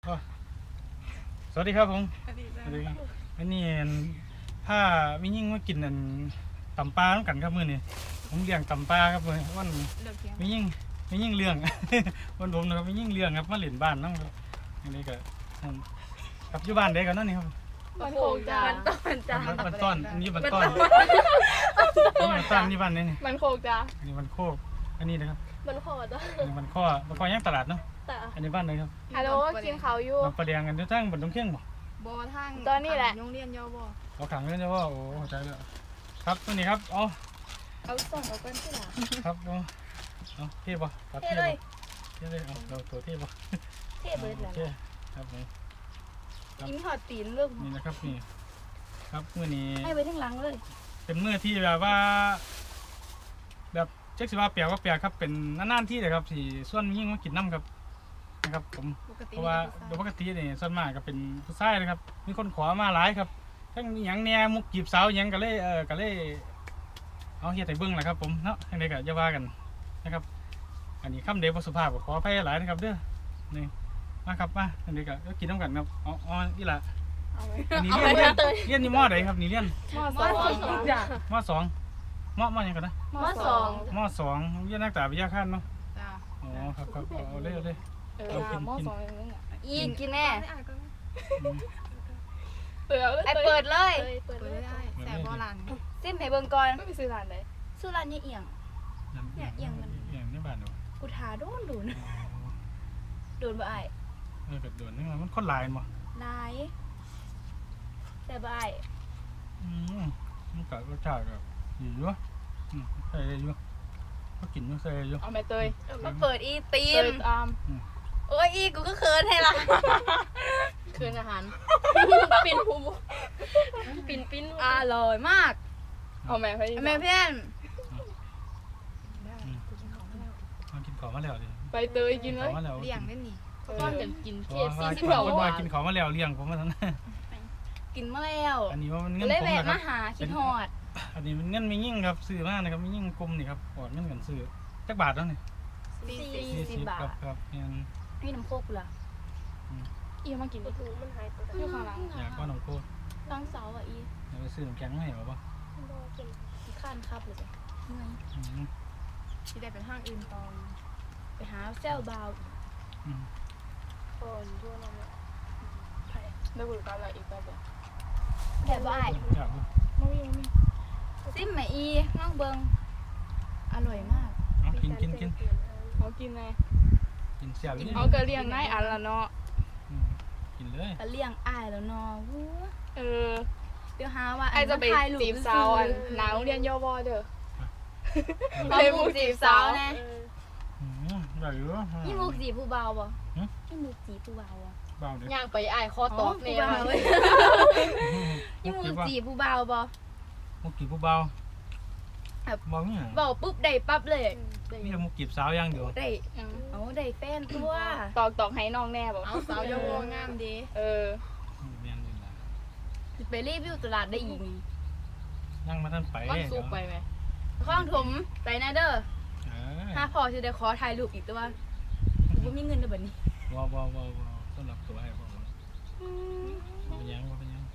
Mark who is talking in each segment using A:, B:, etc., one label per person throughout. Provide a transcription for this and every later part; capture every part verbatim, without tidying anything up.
A: สวัสดีครับผมสวัสดีครับอันนี้ถ้ามียิ่งมากินอันตำปลาต้องกันครับมือนี่ผมเลี้ยงตำปลาครับมือวันมียิ่งมียิ่งเรื่องวันผมนะครับมียิ่งเรื่องครับมาเล่นบ้านน้องครับอันนี้ก็ครับอยู่บ้านเด็กกันนั่นนี่ครับ
B: มันโคกจ้ามันต้นจ้า
A: มันต้นอันนี้มันต้นนี่มันต้นนี่บ้านนี่นี่
B: มันโคกจ้า
A: อันนี้มันโคกอันนี้นะครับ
C: มันโคตร
A: อันนี้มันข้อมันข้อย่างตลาดเนาะอันนี้บ้านเลยครับ
B: ฮัลโหลกินเขาอยู่
A: มันประเดียงกันทั้งบนตรงเที่ยงบ่
B: บ่ทางตอนนี้แหละโรงเรียนยอบ่
A: เราขังเลยนะว่าโอ้เข้าใจแล้วครับตัวนี้ครับอ๋อ
B: เอาส่งเอากันที่หลัง
A: ครับเอาเอาเทป่ะครับเทเลยเทเลยเอาเราตัวเทป่ะ
C: เทเบิร์ดแล้ว
A: ครับผม
B: กินหอดตีนเรื่อง
A: นี่นะครับนี่ครับเมื่อนี้
C: ให้ไปทั้งหลังเลย
A: เป็นเมื่อที่แบบว่าแบบเจ๊กสิว่าเปียกว่าเปียกครับเป็นนานๆที่เลยครับที่ส่วนยิ่งมากินน้ำครับนะครับผมเพราะว่าโดยปกตินี่ส่วนมากก็เป็นผู้ชายนะครับมีคนขอมาหลายครับทั้งอย่างแหน่มุกจีบสาวอย่างก็เลยเออก็เลยเอาเฮียไต่เบิ้งแหละครับผมเนาะยังไงก็อย่าว่ากันนะครับอันนี้คำเดบสุภาพขออภัยหลายนะครับเด้อนี่มาครับมาอันนี้ก็กินน้ำกันครับอ๋ออ๋อนี่แหละอันนี้เรียนเรียนเรียนนี่มอไหนครับนี่เรียน
B: มอสองจ้ะ
A: มอสองมอมอยังกันนะ
C: มอสอง
A: มอสองเรียนนักศึกษาวิทยาขั้นเนาะอ๋อครับครับเอาเลยเอาเลย
B: เอากินกิน
C: อีกกินแน่
B: เปิดไอเปิดเลยเปิดเลยแต่โบราณ
C: ซิมให้เบิ่งก่อน
B: ไม่ไปซื้อร้านเลย
C: ซื้อร้านเนี่ยเอียงเนี่ยเอียงมัน
A: เอียงนี่บ้านหนู
C: กูทาโดนดูนะโดนบ่ไอ
A: เออเกิดโดนนี่มันคนลายมั้ง
C: ลายแต่บ่ไอ
A: อืมมันกัดรสชาติแบบอยู่เยอะอืมใส่เยอะก็กินไม่ใส่เยอะ
B: เอาแม่เตย
C: มาเปิดอีตีน
B: ตาม
C: โอ้ยอีกูก็เคินให้ละ
B: เคินอาหารปิ่นภูปิ่นปิ่น
C: อร่อยมาก
B: เอาแม่พี่
C: แม่เพื่อน
A: มากินของมาแล้วดิ
B: ไปเตยกินเลย
C: เลี้ยงได้นี่
B: ก้อนจะกินเคส
A: ซี่
B: สิบสอง
A: วันกินของมาแล้วเลี้ยงผมมาทั้งนั้น
C: กินมาแล้ว
A: อันนี้ว่ามันเงินผม
C: นะครับมาหาคิดฮอด
A: อันนี้มันเงินไม่ยิ่งครับซื้อมากนะครับไม่ยิ่งกลมนี่ครับกอดเงินกันซื้อจักบาทแล้วนี่
C: สี่สิบบาท
A: ครับเนี่ย
C: พี่น้ำโคกเหรอ
B: อีมากินดิมันหายตัวอยู่ข้างหลัง
A: อยากก้อนน้ำโคก
C: ตั้งเสาอ่ะอี
A: อยากไปซื้อน้ำแข็งให้เหรอปะ
C: ข้านครับเลยจ้ะ
B: ที่ได้เป็นห้างอื่นตอน
C: ไปหาเซลบาว
B: คนทั่วโลกได้บุญกันอะไรอีกแบบ
C: แต่บ่าย
B: ไม่มีไม่มี
C: ซิมไหมอีน้องเบิงอร่อยมาก
A: กินกินกิน
B: เขากินไง
A: กินเสียบ
B: เขาก็เลี้ยงง่ายอันละเนาะ
A: กินเลย
C: เลี้ยงอ้ายแล้วเนาะ
B: เออ
C: เดี๋ยวหาว่า
B: ไอจะไปจีบสาวอันหนาวเรียนย่อบอเด้อเลยมุกจีบสาวนะ
A: ได้เยอะ
C: นี่มุกจีบผู้เบาบ่นี่มุกจีบผู้เบาบ่
A: เบาเด้
B: อย่างไปไอคอตอกเนี่ย
C: นี่มุกจีบผู้เบาบ่
A: มุกจีบผู้เบาบอกเนี่ย
C: บอกปุ๊บได้ปั๊บเลย
A: นี่มุกจีบสาวยังเดียว
C: ได้เอาได้แฟนตัว
B: ตอกตอกให้น้องแน่บอก
C: เอาสาวย่องามดี
B: เออ
C: ไปรีวิวตลาดได้อีก
A: นั่งมาท่านไป
B: ข้องซุปไปไหม
C: ข้องถมไปนะเด้อถ้าพอจะได้ขอถ่ายรูปอีกตัวว่าว่ามีเงินด้วยแบบนี้
A: ว้าวว้าวว้าวต้อนรับตัวให้บอกว่าเป็นยังว่าเป็นยัง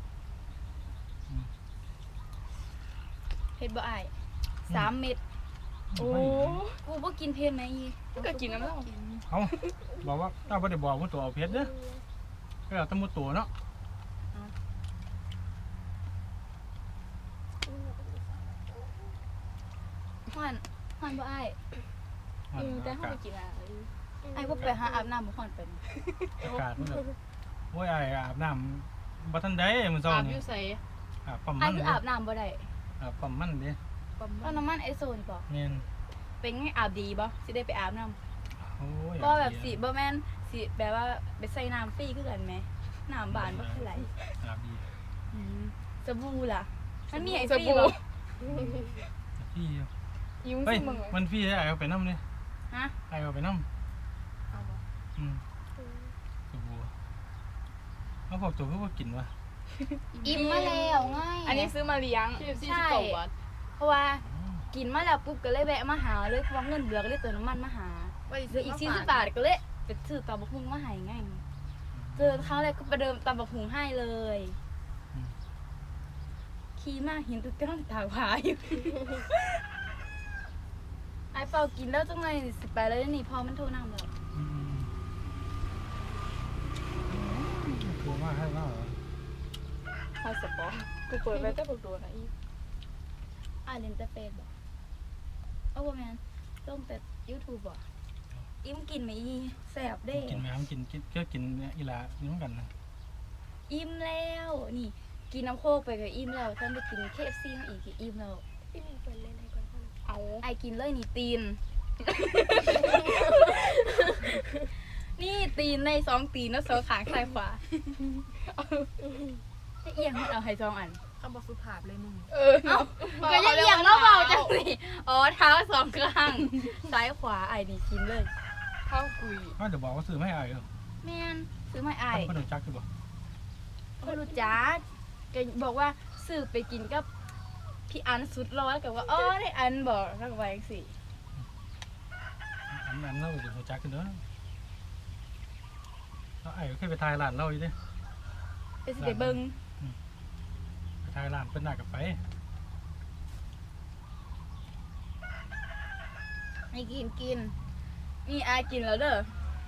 C: เผ็ดบ่ไอสามเม็ดโอ้กูบ่กินเผ็ดไหมอี
B: ก็กินน้ำเล่า
A: เขาบอกว่าถ้าไม่ได้บอกว่าตัวเอาเผ็ดเด้อก็เอาตั้งมือตัวเนาะ
C: ฮอนฮอนบ่ไอ
B: แต่ห้องกินอะไร
C: ไอ้พวกไปหาอาบน้ำบ่ฮอนเป็น
A: อากาศมันแบบโอ้ยไอ้อาบน้ำบ่ทันได้มันซ้อน
B: อาบอยู่ใส่
A: อาบปั๊ม
C: มัน
A: ไอ้
C: คืออาบน้ำบ่ได้
A: อาบปั๊มมันดิ
C: ปั๊มน้ำมันไอโซนบ่
A: เนี่ย
C: เป็นไงอาบดีบ่สิได้ไปอาบน้ำ
A: โอ้ย
C: บ่แบบสิบ่แม่นสิแบบว่าไปใส่น้ำฟรีคือกันไหมน้ำบานบ่คือไหล
A: อาบดี
C: สบู่ล่ะมันมีไอฟรีบ่
A: พี่
B: ยิ้ม
A: สิมึงมันพี่ไอ้เอาไปน้ำเนี่ย
C: ฮะ
A: ไอ้เอาไปน้ำ
B: เอาบ่
A: อืมสบู่เขาบอกตัวเพื่อกินวะ
C: อิ่มมาแล้วง่าย
B: อันนี้ซื้อมาเลี้ยง
C: ใช่เพราะว่ากินมาแล้วปุ๊บก็เลยแวะมาหาเลยเพราะเงินเหลือก็เลยเติมน้ำมันมาหาเหลืออีกสี่สิบบาทก็เลยไปซื้อต่อบุกมุ่งมาหายง่ายเจอครั้งแรกก็ประเดิมตำบักหุงให้เลย
A: อืม
C: ขี่มากเห็นตุ๊กตาตากผาอยู่ ไอ้เปล่ากินแล้วจังไงสิไปแล้วนี่พอมันโทรนำแล้ว
A: อืมคือว่าให้ว่าเหรอ
B: ฮอสปอร์กูเปิดไปแต่บักโดนนะอี
C: อ่านเล่นแต่เฟซบอกเอาบ่แม่นลงแต่ YouTube บ่อิ่มกินไหมอีแซ่บเด้
A: กินไหมครับกินกินก็กินเนี่ยอีหลานี่เหมือนกันนะ
C: อิ่มแล้วนี่กินน้ำโคกไปก็อิ่มแล้วท่านไปกิน เค เอฟ ซี มาอีกก็อิ่มแล้ว
D: พี่หนึ่งเปิดเล่นให้ก่อนค่ะ
B: เอา
C: ไอกินเลยนี่ตีน นี่ตีนในสองตีนแล้วสองขางซ้ายขวาจะเอียงมันเอาให้สองอัน
D: คำบอกสุภาพเลยมึง
B: เออ
C: เอ้าก็ยังเอียงแล้วเบาจังสิอ๋อเท้าสองข้างซ้ายขวาไอนี่กินเลย
B: ข้าวกุย
A: ว่าเดี๋ยวบอกว่าซื้อไม่อายเหรอ
C: แม่นซื้อมาไอ
A: คนรู้จักคือบ่
C: ก็รู้จักก็บอกว่าซื้อไปกินกับพี่อันสุดร้อนกับว่าอ๋อได้อันบอกแล้วก็ไปสิ
A: อันนั้นเราจะรู้จักกันเด้อแล้วไอ้เคยไปทายร้านเราอยู่ดิ
C: ไปสิไปเบิ่ง
A: ไปทายร้านเป็นหน้ากับไป
C: ให้กินกินนี่อายกินแล้วเด้อ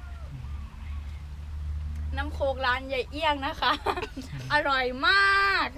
C: น้ำโคกร้านใหญ่เอี้ยงนะคะ อร่อยมาก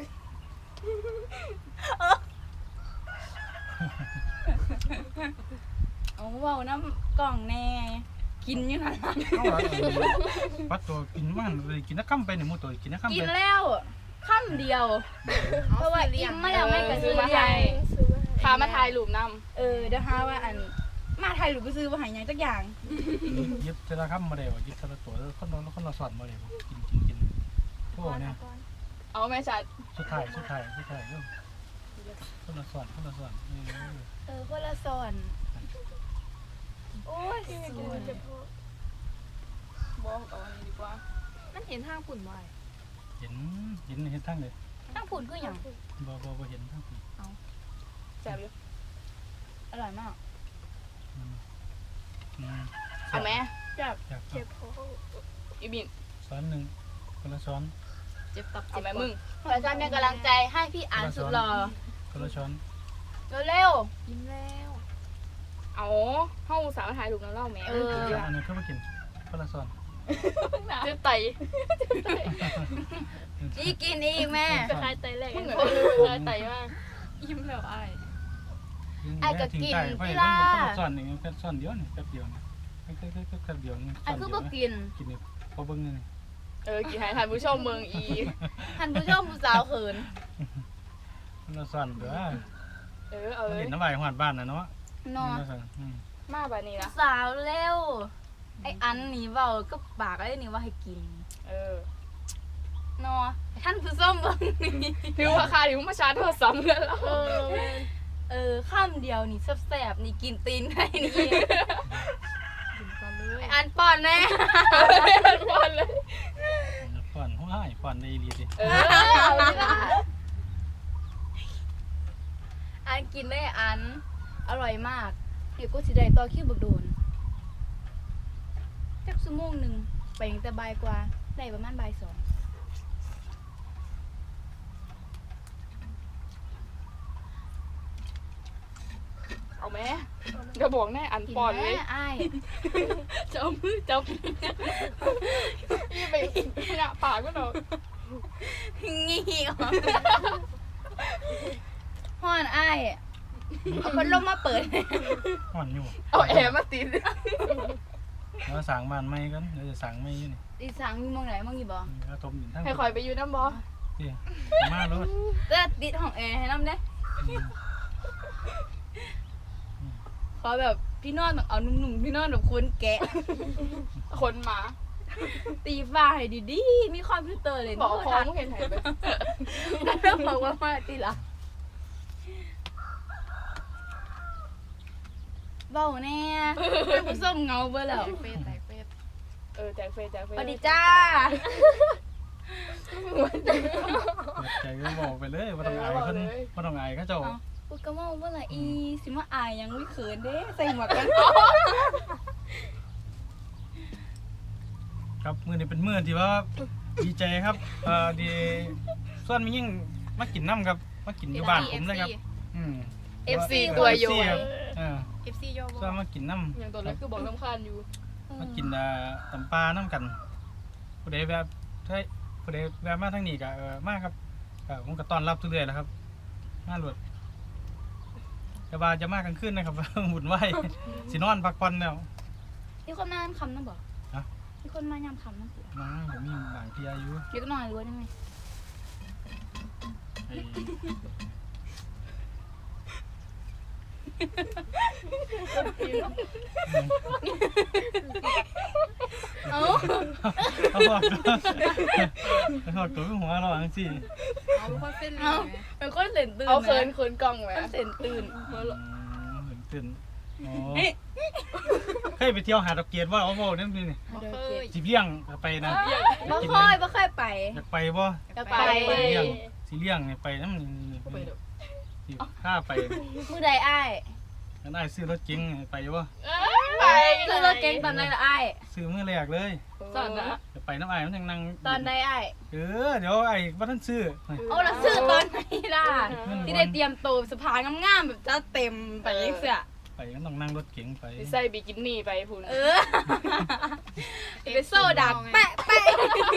C: เอาเว้าน้ำกล่องแน่กินอยู่นั่นล่ะ
A: เอาละปัดตัวกินมันเลยกินนักคำไปหนึ่งมือตัวกินนักคำ
C: กิ
A: ไป
C: นแล้วค่ำเดียว เพราะว่าอิ่มไม่แล้วไม่กระซื้อ
B: มา
C: ให
B: ให้
C: ญ่
D: ซื้อมาให้
B: พามาถ่ายรูปน
C: เออเดี๋ยวหาว่าอันมาไทยหรือไปซื้อมาใหายยังสักอย่าง
A: ยิบเทละคำมาเดี๋ยวยิบเทละตัวคนนอนคนละสอนมาเดี๋ยวกินกินกินโอ้เนี่ย
B: ำเอาแม่ชัด
A: สุดท้ายสุดท้ายสุดท้ายเรื่องคนละสอนคนละสอนเออ
C: เออคนละสอนโอ้ย
D: พี่หนึ่ง
C: ส
D: กิน
C: ว
D: มั
C: ย
D: นจะพอ
B: บอกเอาอันนี้ดีกว่า
D: มันเห็นทางปุ่นบ่อย
A: เห็นเห็นเห็นทั้งเลย
C: ตั้งผุนคืออย่าง
A: บ่บ่บ่เห็นทั้งปี
B: แซ่บอยู่
C: อร่อยมาก
A: อืมอืม
B: เอาแม่
A: อยาก
D: เจ็บท้อง
B: อีบิน
A: ซ้อนหนึ่งคนละช้อน
D: เจ็บตับ
B: เอา
D: เจ็บ
B: แม่มึง
C: อาจารย์เป็นกำลังใจให้พี่อ่านสุดหล่อ
A: คนละช้อน
C: เร็ว
D: ยิ้มแล้ว
B: เอาเฮาสามารถถ่ายรูปน้ำเล่าแม่
C: เออ
A: อันนี้เข้ามากินคนละช้อน
B: เจ็บไต
C: ๆนี่กินอีกแม่
D: ไปคลายไตแรก
B: มึงเหมือน
D: คน
B: เลยไตมาก
D: ยิ้มแล้วไอ้
C: ไอ้ก็กิน
A: ไป
C: พี่
A: ค
C: ล่ะ
A: นละช้อนนี่แค่ช้อนเดียวนี่แป๊บเดียวนี่แค่แค่แค่แค่เดียวนี่
C: ไอ้คือบ่กิน
A: กินนี่พอเบิ่งนี่
B: เออกี่ให้ท่านผู้ชมเมืองอี
C: ท่านผู้ชมผู้สาวเขิน
A: คนละช้อนเด้อ
B: เออเอา
A: มัน
B: เลย
A: เห็นน้ำลายหวานบ้านนะเนาะ
C: เนาะ
B: มาแบบนี้
C: ผู้
B: นะ
C: สาวเร็ว ไอ้อันนี่เว้าก็ปากไอ้นี่ว่าให้กิน
B: เออ
C: เนาะท่านผู้ชมเบิ่งนี่
B: ถือว่าค่าที่มึงมาชาร์จโทรศัพท์เงินแล้ว
D: เออแม่น
C: เออข้ามเดียวนี่แซ่บๆนี่กินตีนใครนี่
D: กินก่อนเลย
C: ไอ้อันป้อนแน่
B: บอลเลย
A: ป้อนหัวหายป้อนในอีลีสิ
B: เออเอาเลยนะ
C: อันกินได้อัน อร่อยมาก เดี๋ยวกูสิได้ต่อคิวบักโดนจักชั่วโมงหนึ่งไปตั้งแต่บ่ายกว่า ได้ประมาณบ่ายสอง
B: เอาแม่จะบอกแน่อัน
C: กิน
B: ปอนเลย
C: แม่อ้าย
B: จับมือจับนี่ไปหน้าปากก็เนาะ
C: งี้ออกฮ้อนอ้าย เอาพัดลมมาเปิด
A: ป้อนอยู่
B: เอาแอร์มาติด
A: แล้วสั่งบ้านไม่กันเดี๋ยวจะสั่งไม่อยู่นี่
C: อีสังมีมองไหนมองอยู่บ่
A: แล้วทมอยู่ทั้ง
B: ให้คอยไปอยู่น้ำบอ
A: ที่มาแล้ว
C: เลือดติดของแอร์ให้น้ำเด้ขอแบบพี่นอนแบบเอาหนุ่มๆพี่นอนแบบคนแกะ
B: คนหมา
C: ตีฟ้าให้ดีๆมีคอมพิวเตอร์เลย
B: บอกคอ
C: ทั
B: มึงเห็นไหนไป
C: แล้วบอกว่ามาตีละเบ้าแน่ท่านผู้ชมเงาเบอร์แล้ว
D: เฟสแตกเฟส
B: เออแจกเฟยแจกเฟ
C: ส
B: ย
C: วัสดีจ้า
A: เปิดใจก็บอกไปเลยว่าต้องอายคนว่าต้องอายเขาเจ้า
C: เอากูก็ว่าเมื่อไหร่อีสิมาอายยังไม่เขินเด้ใส่หมวกกัน
A: กครับมื้อนี้เป็นมื้อที่ว่าดีใจครับเอ่อดีส่วนมียิ่งมากินน้ำครับมากินอยู่บ้านผมเลยครับอืม
B: เอฟซี ตัวโย
A: เอฟซี
B: น
A: ครับเออ
D: เอฟซีย่อ
A: ส่วนมากินน้ำ
B: อย่างตัวนั้นคือบอกน้ำคานอยู่
A: มากินอ่าตำปลาน้ำกันผู้ใดแบบใช่ผู้ใดแบบมาทางนี้ก็เออมาครับก็ผมก็ต้อนรับทุกเดือนแหล้วครับมาหลวดแต่ว่าจะมากกลางคืนนะครับ หมุนไหวสินอนพักผ่อนแล้ว
C: มีคนมายามคำนั่นบ่
A: ฮะ
C: มีคนมายามคำนั่นสิ
A: มาผมมีบางทีอายุ
C: เดี๋ยวก็นอนรู้ได้ไหม
A: ไอ้
C: เอ้า
A: เขาบอกเขาบอกตัวหัวเราอังสิ
D: เอาเป็นคนเส้นเล
C: เอ้าย เป็นคนเส้นตื่น
B: เอาเคินเคินกล้องไหม
C: คนเส้นตื่น
A: ตื่นตื่นอ๋อเคยไปเที่ยวหาดอกเกียรว่าเอาโม่นั่นนี่
D: บ่เคย
A: สิเลี้ยงไปนะ
C: บ่ค่อยบ่ค่อยไป
A: อยากไปบ่
C: จะไป
A: สิเลี้ยงสิเลี้ยงไปน้ำสิข้าไป
C: มือใดอ้าย
A: กันได้ซื้อรถเก๋งไปบ่
B: ไป
C: ซื้อรถเก๋งตอนใดละอ้าย
A: ซื้อมื้อแรกเลย
B: สอนนะ
A: จะไปน้ำไอ้มันยังนั่ง
C: ตอนใดอ้าย
A: เออเดี๋ยวไอ้ว่าท่านซื้อ
C: เอาละซื้อตอนไหนล่ะ
A: เงิน
C: ที่ได้เตรียมตัวสภางามๆแบบจะเต็มไปยังเสีย
A: ไปก็ต้องนั่งรถเก๋งไป
B: ใส่บิกินี่ไปพุ่น
C: เออไปโซดักแปะแปะ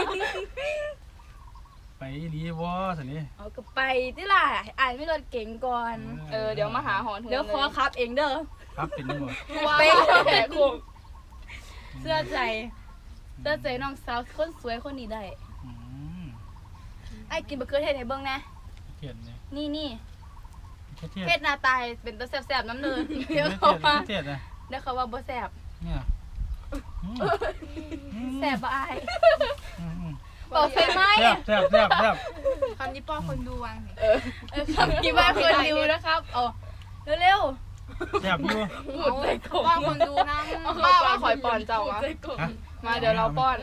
A: ไปรีบ่สินี่
C: เอาก็ไปที่ล่ะอ่านไม่รถเก๋งก่อน
B: เออเดี๋ยวมาหาหอน
C: เดี๋ยวขอขับเองเด้อ
A: ครับเป็นนี่บ่
B: เป๊ะแหกโค้ง
C: เสื้อใจเสื้อใจน้องสาวคนสวยคนนี้ได้
A: อืม
C: ไอ้กินบะเขือเทศให้เบิ่งนะ
A: เทียนนี่
C: นี่นี่
A: เทียน
C: เทศหน้าตายเป็นตัวแซ่บๆน้ำเนิน
A: เที
C: เดี๋
A: ย
C: ยวน เขาว่า
A: เทียนนะ
C: เดี๋ยวเขาว่าบ่แซ่บ
A: เนี่ย
C: แซ่บบ่อาย
A: อืม
C: บอกใช่ไหม
A: แซ่บแซ่บแซ่บแซ่บ
D: คำนี้ป้อคนดูวางนี่
B: เออ
C: เออคำที่ว่าคนดูนะครับเอาเร็ว
A: แซ่บอยู่
B: พูดใส่กบ
D: ป้อคนดูนะ
B: ป้าว่าคอยป้อนเจ้าวะ
A: ฮะ
B: มาเดี๋ยวเราป้อน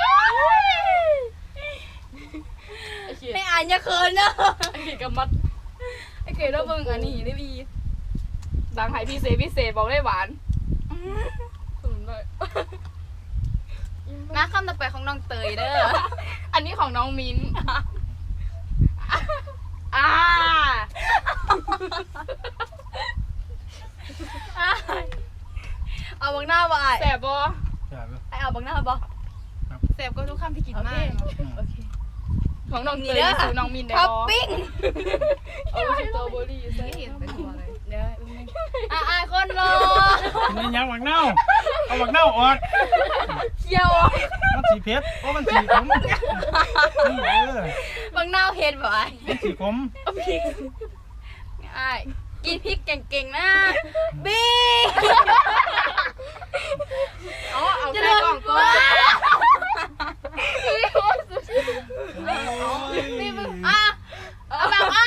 C: ๆไม่อ่านอย่าเขินเด้อ
B: ไอ้เก๋กับมัด
C: ไอ้เก๋เราเบิ่งอันนี้ได้บี
B: ดังไห้พิเศษพิเศษบอกได้หวานสุดเลย
C: มาคำต่อไปของน้องเตยเด้อ
B: อันนี้ของน้องมิ้นอ่า
C: เอาบังหน้าบ่อาย
B: แสบบ่
A: แซ่บอยู่
C: ไอเอาบังหน้าบ่
D: แสบก็ทุกคำที่กิน
C: โอ
D: มา
C: เค
D: ก
A: อืม
C: โอเค
B: ของน้อง
C: นี่
B: เต
C: เด้
B: ย
C: อ
B: สู่น้องมินได้
C: ท็อป
B: บ่
C: ปิ้ง
B: เอาสตรอเบอรี่ใส่
D: ไม่เห็นเป็นตัวเลย
C: เดี๋ยวอ่ะอายคนรอ
A: กินได้ยังบักเน่าเอาบักเน่าออก
C: เคี่ยว
A: มันสีเผ็ดเพราะมันสีขมนี่เออ
C: บังหน้าเฮ็ดบ่อาย
A: มันสีขม
C: อายกินพริกเก่งๆนะบี้
B: เอาเอาใส่กล่องก่อน
C: นี่มึงอ่ะเอาแบบอ่ะ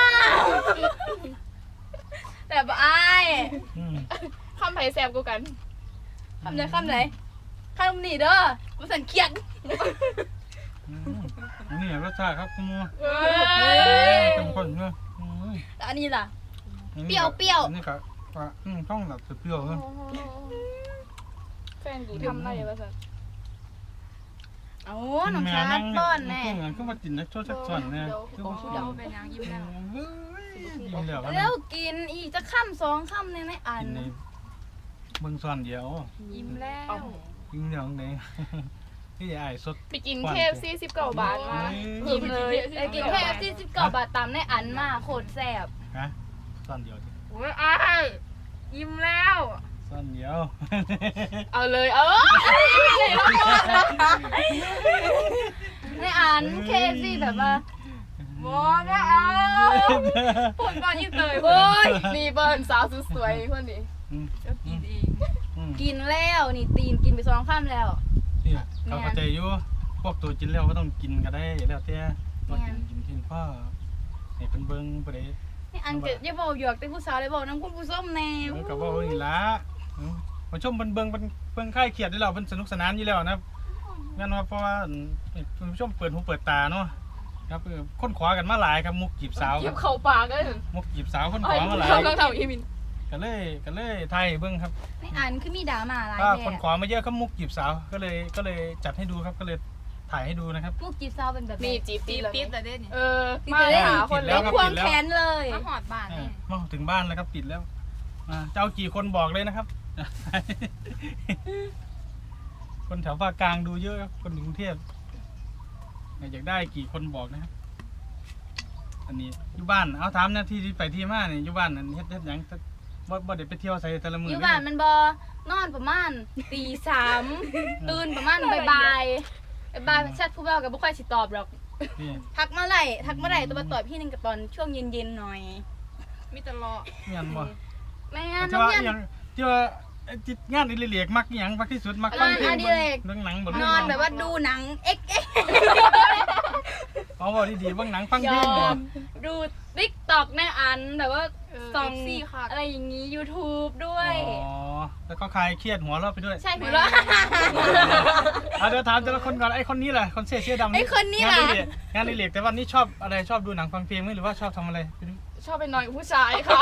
C: แต่บ่อาย
A: อืม
B: คำไผ่แสบกูกัน
C: คำไหนคำไหนคำนี้เด้อบ่สันเคียด
A: อืมอันนี้รสชาติครับคุณหมู
B: เฮ้
A: เข้มข้นเนอะอืม
C: แล้วอันนี้ล่ะ
A: อันนี้
C: เปรี้ยวเปรี้ยว
A: อันนี้ก็ว่าอืมต้องแบบเปรี้ยวๆเนอะ
B: แฟนกูทำได้ปะสัน
C: โอ้น้องชาร์ตป้อนแน่
A: ช่วงนั้นก็มากินนักโทษสักส่วนเนี่ยคือ
D: โอ้
A: ว่า
D: โหเป็นยังยิ้มแล้ว
A: เฮ้ยกินแล้วกัน
C: แล้วกินอีกจะค่ำสองค่ำในในอัน
A: กินในเมืองส่วนเดียว
D: ยิ้มแล้ว
A: กินเดียวไหนที่ไอ้สด
B: ไปกินเคฟซีสิบเก้าบาทมาอิ่มเลย
C: แต่กินแค่ที่สิบเก้าบาทตามในอันมาโคตรแซ่บ
A: ฮะส่วนเดียวดิ
B: โอ้ยอ้ายยิ้มแล้ว
A: ส่วนเดียว
B: เอาเลยเออ
C: ในอันเคซี่แบบว่า
B: บอนะเอาพูดก่อนยิ่งเตยเว้ยนี่เบิร์นสาวสุดสวยคนนี้
A: อืม
D: ก็กินเอง
A: อืม
C: กินแล้วนี่ตีนกินไปสองค่ำแล้ว
A: นี่เขาเข้าใจอยู่พวกตัวกินแล้วก็ต้องกินก็ได้แล้วแต่ว่ากินกินกินพ่อให้เป็นเบิ้งไปเลย
C: นี่อันเกิดอย่าบอกหยอกแต่ผู้สาวเลยบอกน้ำคุณผู้ส้มแน่
A: แล้วก็ว่าอีละมาชมเป็นเบิ้งเป็นเบิ้งค่ายเขียดที่เราเป็นสนุกสนานอยู่แล้วนะงั้นว่าเพราะว่าผู้ชมเปิดหูเปิดตาเนาะครับค้นขวากันมาหลายครับมุกจีบสาว
B: เก็บเข่าปากเลย
A: มุกจีบสาวค้นข
B: ไอ้
A: วามาหลาย
B: เราต้องทำอีมิน
A: ก็เลยก็เลยไทยเบิ้งครับ
C: ไม่อ่านคือมีดราม่าหลาย
A: ถ้า
C: แบ
A: คน
C: บ
A: ขอมาเยอะก็มุกจีบสาวก็เลยก็เลยจัดให้ดูครับก็เลยถ่ายให้ดูนะครับ
C: มุกจีบสาวเป็นแบบ
B: มีจีบ
D: ตี
B: ตีแล้ว
D: ติ
B: นี่
D: ดแต่เด่นนี่
B: เออ
C: ติด
B: มา
C: แต่เล่น
B: หาคน
A: ติดแล้
B: เล่
A: วน ครับ
C: ควงแขนเลย
D: มาหอดบ้าน
A: เอ
D: นี่
A: อมาถึงบ้านแล้วครับติดแล้วอ่าเจ้ากี่คนบอกเลยนะครับ คนแถวภาคกลางดูเยอะครับคนกรุงเทพอยากได้กี่คนบอกนะครับ อันนี้อยู่บ้านเอาถามหน้าที่ที่ไปที่มาเนี่ยอยู่บ้านอันเฮ็ดเฮ็ดหยังบ่บ่ได้ไปเที่ยวใส่แต่ละมื้อ
C: อ
A: อยู่
C: บ้านมันบอนอนประมาณตีสามตื่นประมาณบ่ายบ่ายบ่ายแชทผู้เบากับบ่ค่อยสิตอบหรอก
A: นี่
C: ทักมาไหร่ทักมาไหร่ตัวมาตอบพี่นึงกับตอนช่วงเย็นๆหน่อย
D: มีแต่รอ
A: เงี้ยบ่
C: แม่งั้น
A: ที่
C: น้อง
A: ว่า
C: เพียน
A: อหยังที่ว่าไอ้ที่งานอิเลียกมักอหยังมักที่สุดมักฟังเพลง
C: งานอดิเรก
A: เบิ่งหนังบ่
C: นอนแบบว่าดูหนังเอ็กเอ็ก
A: เอาบ่ดีๆเบิ่งหนังฟัง
C: ย
A: เพล
C: อง
A: บ่
C: มดูติ๊กต็อกในอันแบบว่า
D: เออ
C: ส่อง
D: ซี่ค่ะ
C: อะไรอย่างนี้ YouTube ด้วย
A: อ๋อแล้วก็คลายเครียดหัวเราะไปด้วย
C: ใช่หัวเราะ
A: เอาเดี๋ยวถามแต่ละคนก่อนไอ้คนนี้แหละคนเสื้อเสื้อดำ
C: ไอ้คนนี้
A: งาน
C: ล่ะ
A: อิเลียกงานอิเลียกแต่วันนี้ชอบอะไรชอบดูหนังฟังเพลงไหมหรือว่าชอบทำอะไรไปดู
B: ชอบไปนอนกับผู้ชายค่ะ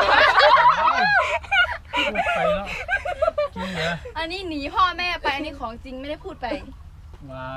A: พูดไปแล้วจริงเหรอ
C: อันนี้หนีพ่อแม่ไปอันนี้ของจริงไม่ได้พูดไป
A: วาย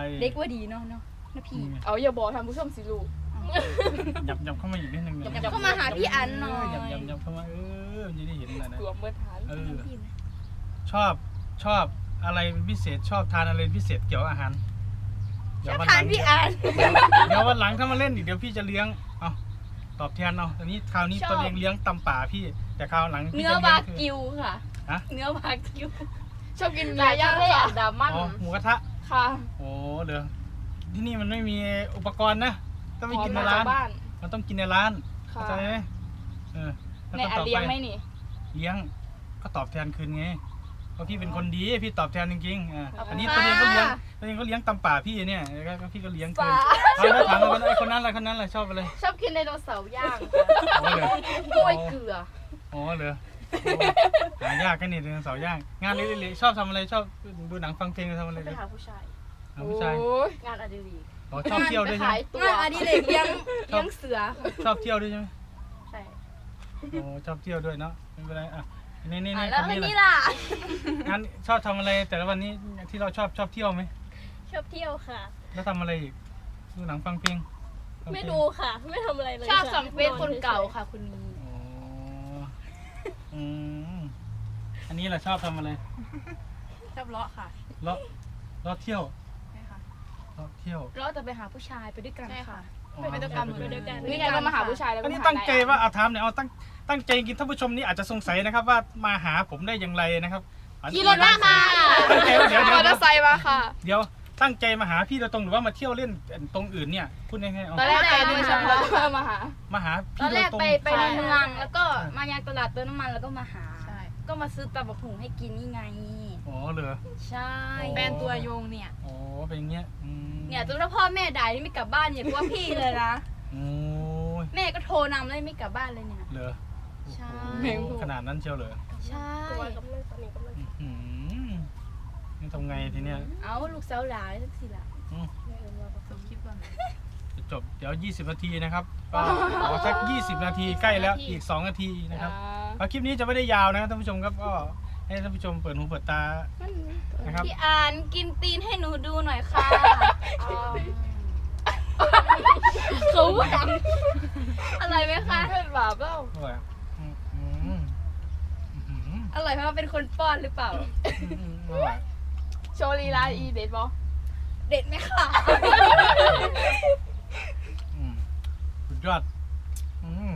C: เด็กว่าดีเนาะเนาะนะพี่
B: เอาอย่าบอกทำผู้ชมสิลูก
A: หยับหยับเข้ามาอีกนิดนึง
C: หยับเข้ามาหาพี่อันหน่อย
A: หยับหยับหยับเข้ามาเออมันจะได้เห็นอะไรนะ
B: กลัวเมื่อทาน
A: เออชอบชอบอะไรเป็นพิเศษชอบทานอะไรเป็นพิเศษเกี่ยวกับอาหาร
C: ชอบ
A: วั
C: ทานพี่อัน
A: เดี๋ยววันหลังถ้ามาเล่นอีกเดี๋ยวพี่จะเลี้ยงเอาตอบแทนเอาอันนี้คราวนี้
C: ชอบ
A: ตัวเองเลี้ยงตำป่าพี่ แต่คราวหลังพี่
C: เนื้อ
A: จะ
C: วา
A: เลี้ยงคือ
C: กิวค่ะ
A: ฮะ
C: เนื้อวากิว
B: ชอบกินเนื้อย่างค่ะดามัน
A: อ๋อหมูกระทะ
B: ค่ะ
A: โอ้เดี๋ยวที่นี่มันไม่มีอุปกรณ์นะต้องไปกินใน
B: พอม
A: ร้าน
B: จกบ้าน
A: มันต้องกินในร้าน
B: ค่ะ
A: เข้าใจไหมเออแล้ว
B: ใน
A: ก็
B: อัน
A: ต่อ
B: เลี้ยง
A: ไป
B: ไหมนี่
A: เลี้ยงก็ตอบแทนคืนไงเพราะพี่เป็นคนดีพี่ตอบแทนจริงๆอ่ะ
B: ขอบคุณ
A: อันนี้
C: ค่ะ
A: ตัวเองก็เลี้ยงตัวเองก็เลี้ยงตำป่าพี่เนี่ยแล้วก็พี่ก็เลี้ยงคืน
B: ป่า
A: เอาแล้วถามว่าไอ้คนนั้นอะไรคนนั้นอะไรชอบอะไร
B: ชอบกินไดโนเสาร์ย่าง
A: อ๋อเหรอก
B: ล้วยเกลือ
A: อ๋อเหรอโอ้หายากกันนี่เดือนเสาร์ย่างงานเล็กๆชอบทำอะไรชอบดูหนังฟังเพลงทำอะไร
B: ไป
A: เลย
B: หาผู้ชาย
A: หาผู้ชาย
B: โอ้ย
D: งานอดิเรก
A: อ๋อชอบเที่ยวด้วยใช่ไหม
B: ขายตัว
C: งานอดิเรกเลี้ยงเลี้ยงเสือ
A: ชอบเที่ยวด้วยใช่ไหม
B: ใช่
A: โอ้ชอบเที่ยวด้วยเนาะไม่เป็นไรอ่ะนี่นี่
C: อ่ะ
A: นี่
C: แล้ว
A: คน
C: อัน
A: นี้
C: นี้
A: แหละ
C: ล่ะ
A: งานชอบทำอะไรแต่ละวันนี้ที่เราชอบชอบเที่ยวไหม
C: ชอบเที่ยวค่ะ
A: แล้วทำอะไรอีกดูหนังฟังเพลงฟังเพลง
C: ไม่ดูค่ะ ไม่ทำอะไรเลย
B: ชอบส่องเฟซคนเก่าค่ะคุณนี้
A: อ๋ออืมอันนี้แหละชอบทำอะไร
D: ชอบเลาะค่ะ
A: เลาะเลาะเที่ยว
D: ใช่ค่ะ
A: เลาะเที่ยว
C: เราจะไปหาผู้ชายไปด้วยกัน
D: ใช่
C: ค่ะ
D: ค่ะ
A: อ๋อ
D: ไปด้วยกันหมด
A: ไป
D: ด้วยกัน
B: นี่ไงก็มาหาผู้ชายแล้ว
A: อัน
B: ก็
A: นี้
B: มาหา
A: ตั้งใจว่า
B: ได้
A: เอาถามเนี่ยเอาตั้งตั้งใจกินท่านผู้ชมนี่อาจจะสงสัยนะครับว่ามาหาผมได้อย่างไรนะครับ
B: ขี่รถมาค่ะ
A: ตั้งใจว่าเดี๋ยว
B: ม
A: เดี๋
B: อ
A: ยว
B: เตอร์ไซค์มาค่ะ
A: เดี๋ยวตั้งใจมาหาพี่โดยตรงหรือว่ามาเที่ยวเล่นตรงอื่นเนี่ยพูดง่ายๆเอา
B: ตอนแรกไปโดยเฉพาะเพื่อมาหา
A: มาหา
C: ต
A: พี่
C: อน
A: โด
C: แร
A: ย
C: ก
A: ตรง
C: ไปไปในเมืองแล้วก็
A: ใช่
C: มายังตลาดเติมน้ำมันแล้วก็มาหา
D: ใช่
C: ก็มาซื้อตำบักหุ่งให้กินนี่ไง
A: อ๋อเหรอ
C: ใช่
A: อ๋อ
D: แฟนตัวยงเนี่ย
A: อ๋อเป็นอย่างเงี้ยอืม
C: เนี่ยจนถ้าพ่อแม่ด่านี่ไม่กลับบ้านเนี่ยเพราะว่าพี่เลยนะ
A: โอ้ย
C: แม่ก็โทรนำเลยไม่กลับบ้านเลยเนี่ย
A: เหรอ
C: ใช่
A: โอ้โหขนาดนั้นเชียวเหรอ
C: ใช่
A: อืมนี่ทำไงทีเนี้ย
C: เอาลูกสาวหลานสักสิล่ะ
A: อืม
D: จบคลิปก่อน
A: จะจบเดี๋ยวยี่สิบนาทีนะครับก็ขอสักยี่สิบนาทีใกล้แล้วอีกสองนาทีนะครับแล้วคลิปนี้จะไม่ได้ยาวนะครับท่านผู้ชมครับก็ให้ท่านผู้ชมเปิดหูเปิดตานะครับ
C: พี่อ่านกินตีนให้หนูดูหน่อยค่ะเขาดังอะไรไหมคะ
B: เป็นบาปเปล่า
A: อร่อยอ่ะอืมอืมอืม
C: อร่อยเพราะว่าเป็นคนป้อนหรือเปล่า
A: อืมอร่อย
B: โชว์ลีลาอีเด็ดบอ
C: เด็ดไหมค่ะ
A: อืมสุดยอดอืม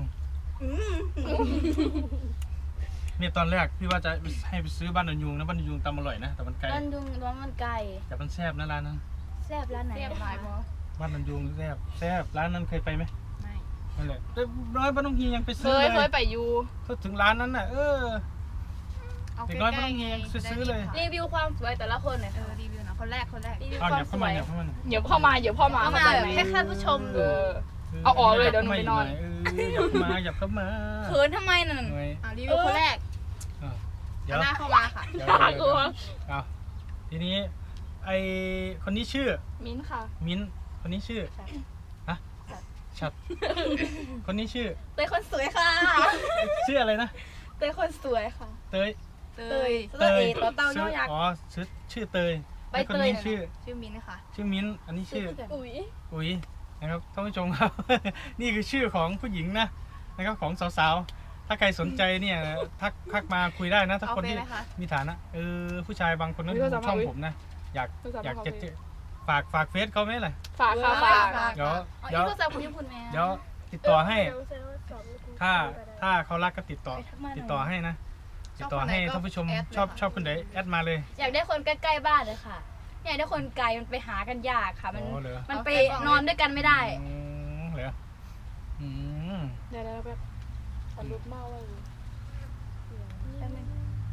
A: เนี่ยตอนแรกพี่ว่าจะให้ไปซื้อบ้านดอนยุงนะบ้านดอนยุงตำอร่อยนะแต่มันไกล
C: ร้านดุงร้านมันไก่
A: แต่มันแซ่บนะร้านนั้น
C: แซ่บร้านไหน
D: เรียบ
C: อะ
D: ร้อย
C: คะ
D: บอ
A: บ้านดอนยุงแซ่บแซ่บร้านนั้นเคยไปไหม
D: ไม่
A: นั่นแหละแต่ร้อยบ้านน้องเฮียยังไป
B: เค
A: ซื้อย
B: เค
A: เลย ย
B: ไปอยู่
A: ถ้าถึงร้านนั้นน่ะเออ
D: เอา
A: เด็
D: ใก
A: กน้อยไม่
D: ล้
A: ต้อง
D: ๆ
A: เฮียซื้อเลย
C: รีวิวความสวยแต่ละคนหน่อย
D: เอ
C: ค่ะ
D: อรีวิวหนะคนแรกคนแรก
C: รีวิว
A: เอา
C: ควา
A: เดี๋
C: ม
A: ยว
C: ส
A: เข้า
C: วย
A: มาเดี๋ยวเข้ามาหน่อย
B: เดี๋ยวพ่อมาเดี๋ยวพ่อมา
C: เข้ามาแบบให้ท่านผู้ชม
B: เอ
C: ดู
B: อ เอาออกเลยเดี๋ยวหนูไปนอน
A: เออหยับเข้ามาหยับเข้ามา
C: เขินทำไมนั่น
A: หน่อย
D: เอารีวิวคนแรก
A: เออเดี๋ยว
D: เอาหน้าเข้ามาค่ะ
A: เดี๋ยว
B: น่ากลัว
A: เอาทีนี้ไอคนนี้ชื่อ
B: มิ้นท์ค่ะ
A: มิ้นท์คนนี้ชื่อฮะชัดคนนี้ชื่อ
C: เป็นคนสวยค่ะ
A: ชื่ออะไรนะ
B: เตยคนสวยค่ะ
A: เตย
D: เต
C: เตย
D: ย
C: เตยต่อเต่าย่อยักษ์
A: อ๋อชื่อชื่อเตย
C: ใบ
A: แล้วคน
C: เตย
A: นี้
C: น่ะ
A: ชื่อ
D: ชื่อมิ้นท์ค่ะ
A: ชื่อมิ้นท์อันนี้ชื่อ
B: อุ๋ย
A: อุ๋ยนะครับท่านผู้ชมครับ นี่คือชื่อของผู้หญิงนะนะครับของสาวๆถ้าใครสนใจเนี่ยทักทักมาคุยได้นะถ้า
D: เอา
A: คน
D: ไป
A: ที่
D: ไหมคะ
A: มีฐานะเออผู้ชายบางคนนั้นดูช่องผมนะอยากอยากจะเจอฝากฝากเฟซเขาไหมล่ะ
B: ฝากค่ะฝาก
D: ฝาก
A: เดี๋ยว
C: อ๋อ
A: เดี๋ยว
C: อีกก็แซวคุณญี่ปุ่นแม่
A: เดี๋ยวติดต่อให้ ถ้าถ้าเขารักก็ติดต่อ
C: ไปทักมาหน่อย
A: ติดต่อให้นะติดต่อให้ท่านผู้ชม
D: แอดเลย
A: ชอบ
D: ค่ะ
A: ชอบคนไหนแอดมาเลย
C: อยากได้คนใกล้ๆบ้านเลยค่ะอยากได้คนไกลมันไปหากันยากค่ะ มัน
A: อ๋อเหรอ
C: มันไปนอนด้วยกันไม่ได้
A: อืมเหรออืม
B: เดี๋ยวๆแบบอารมณ์เมาเลย
C: แป๊บนึง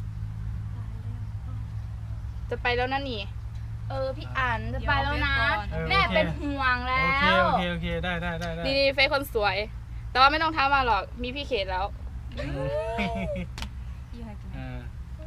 B: จะไปแล้วนะนี่
C: เออพี่อ่านจะไปแล้วนะ
A: เออ
C: แม่
A: โอเค
C: เป็นห่วงแล้
A: โอเคว โอเคโอเคได้ได้ได้ได้
B: นี่นี่เฟซคนสวย แต่ว่าไม่ต้องท้ามาหรอกมีพี่เขตแล้ว
A: อืม
D: ยี่ห้อกิน
A: อ่า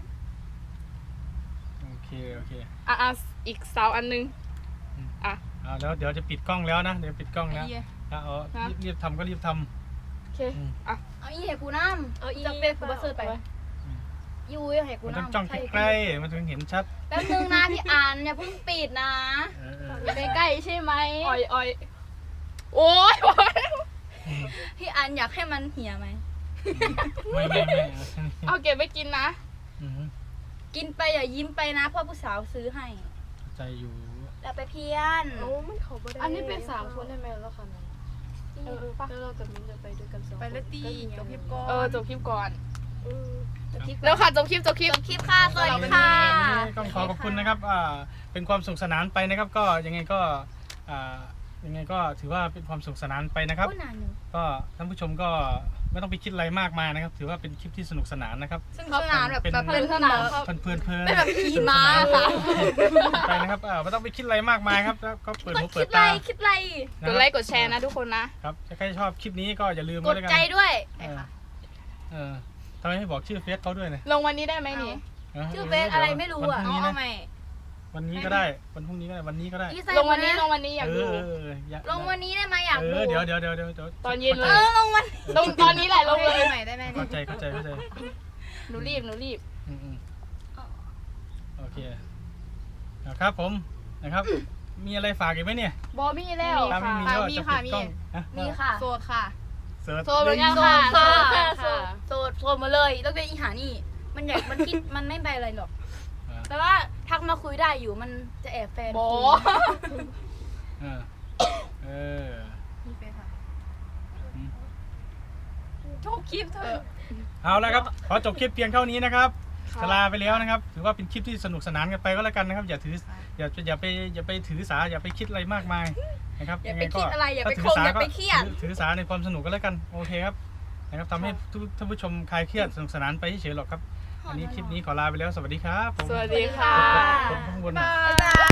A: โอเคโอเค
B: อ่ะอ่ะอีกสาวอันนึง อ่ะ
A: อ่าแล้วเดี๋ยวจะปิดกล้องแล้วนะเดี๋ยวปิดกล้องแล้ว
D: ไอ้เหี้ย
A: ถ้าเอา
B: ฮะ
A: รีบรีบทำก็รีบท
B: โอเค
A: อืม
B: อ่ะ
C: เอาอีให้กูน้ำ
B: เอาอี
C: จะเป็นกูบัสเซอร์ไป
B: เอาไป
C: ยูให้
A: ำ
C: กู
A: มันต้อง
C: น้ำ
A: จ้องใกล้ๆมันถึงเห็นชัด
C: แป๊บนึงนะพี่อ่านอย่าเพิ่งปิดนะ
A: เออเออ
C: อย่าไปใกล้ใช่ไหม
B: อ้อยอ้อยโอ้ยโอ้ย
C: พี่อ่านอยากให้มันเหี่ยไหม
A: ไม่ไม่ไม่
B: เอาเก็บไปกินนะ
A: อืม
C: กินไปอย่ายิ้มไปนะเพ่อผู้สาวซื้อให้
A: ใจอยู่
C: แล้วไปเพี้ยน
B: อันนี้เป็นสามคนได้ไหมแล้วค่ะเออปะแล้วเรากับมิ้นจะไปด้วยกันสอง
D: ไปเลยตีจบคลิปก่อน
B: เออจบคลิปก่อน
C: จบคลิป
B: แล้วค่ะจบคลิปจบคลิป
C: จบคลิปค่ะสวัสดีค่ะ
A: วันนี้ต้องขอขอบคุณนะครับอ่าเป็นความสนุกสนานไปนะครับ ก็ยังไงก็อ่ายังไงก็ถือว่าเป็นความสนุกสนานไปนะครับ
C: พูดนานอยู่
A: ก็ท่านผู้ชมก็ไม่ต้องไปคิดอะไรมากมายนะครับ ถือว่าเป็นคลิปที่สนุกสนานนะครับ
C: ซึ่งสนานแบบ
A: เป็น
C: แบบเพลินสนาน
A: เพลินเพลินเพลิน
C: เป็นแบบขี่ม้าค่ะ
A: ไปนะครับอ่าไม่ต้องไปคิดอะไรมากมายครับแล้วก็เปิด
C: ต้อ
A: หู
C: ง
A: เปิ
C: คิ
A: ด
C: ดไร
A: ตา
C: คิดไร
B: กดไลค์กดแชร์นะทุกคนนะ
A: ครับถ้าใครชอบคลิปนี้ก็อย่าลืม
C: ก
A: ไว้
C: ด
A: ด้วยกัน
C: ใจด้วย
A: เออเออทำไมไม่บอกชื่อเฟซเขาด้วยเนี่ย
B: ลงวันนี้ได้ไหมนี่
C: ชื่อเฟซอะไรไม่รู้อะ
A: วันพ
D: เอา
A: รุ่งนี้
D: เอา
A: นะ
D: ใหม่
A: วันนี้ก็ได้วันพรุ่งนี้ก็ได้วันนี้ก็ได้
C: อีไซ
B: ลงวันนี้
C: ะ
B: ลงวันนี้อยาก
A: เอ
B: ดู
A: อเอออย่า
C: ลงวันนี้ได้ไหมอยาก
A: เอ
C: ดู
A: อเดี๋ยวเดี๋ยวเดี๋ยวเดี๋ยวเดี๋ยว
B: ตอนเย็นเล
C: เอย อลงวัน
B: ลงตอนนี้แหละล
D: เอา
B: งเลย
D: ใหม่ได้ไหม
A: เข้าใจเข้าใจเข้าใจ
B: หนูรีบหนูรีบ
A: อืมอืมโอเคนะครับผมนะครับ มีอะไรฝากอีกไหมเนี่ย
B: บอมี่แล้ว
A: ถ้าไม่มี
B: ค่ะ
A: ก็
D: มี
A: จะ
D: ค่ะ
A: ปิดกล้อง
D: มี
A: ฮะ
C: มีค่ะ
D: โสดค่ะ
A: เสิร์ช
B: โซเหมือนกัน
C: โส
B: ค่ะ
C: ดค่ะ
B: โสด
C: โสดโสดมาเลยแล้วเป็นอีหานี่ มันอยากมันคิดมันไม่ไปอะไรหรอก แต่ว่าทักมาคุยได้อยู่มันจะแอบแฟน
B: บอ
C: คุย
A: เออเออ
D: มีเฟซค่ะ
A: อืม
D: จบคลิปเถอะ
A: เอาละครับขอจบคลิปเพียงเท่านี้นะครับ
B: ค่ะ
A: จะลาไปแล้วนะครับ ถือว่าเป็นคลิปที่สนุกสนานกันไปก็แล้วกันนะครับ อย่าถืออย่าอย่าไปอย่าไปถือสาอย่าไปคิดอะไรมากมายนะครับ
C: อย่าไป
A: งงก็
C: คิดอะไรอย่าไป
A: ถ้
C: ค
A: ถื
C: ง
A: ส
C: อย่าไป
A: ก็
C: เครียด
A: ถือถือสาในความสนุกก็แล้วกันโอเคครับนะครับทำให้ทุกท่านผู้ชมคลายเครียดสนุกสนานไปเฉยๆหรอกครับอันนี้คลิปนี้ขอลาไปแล้วสวัสดีครับผม
B: สวัสดีค่ะ
A: กดข้างบนหน่อย
C: บ๊ายบาย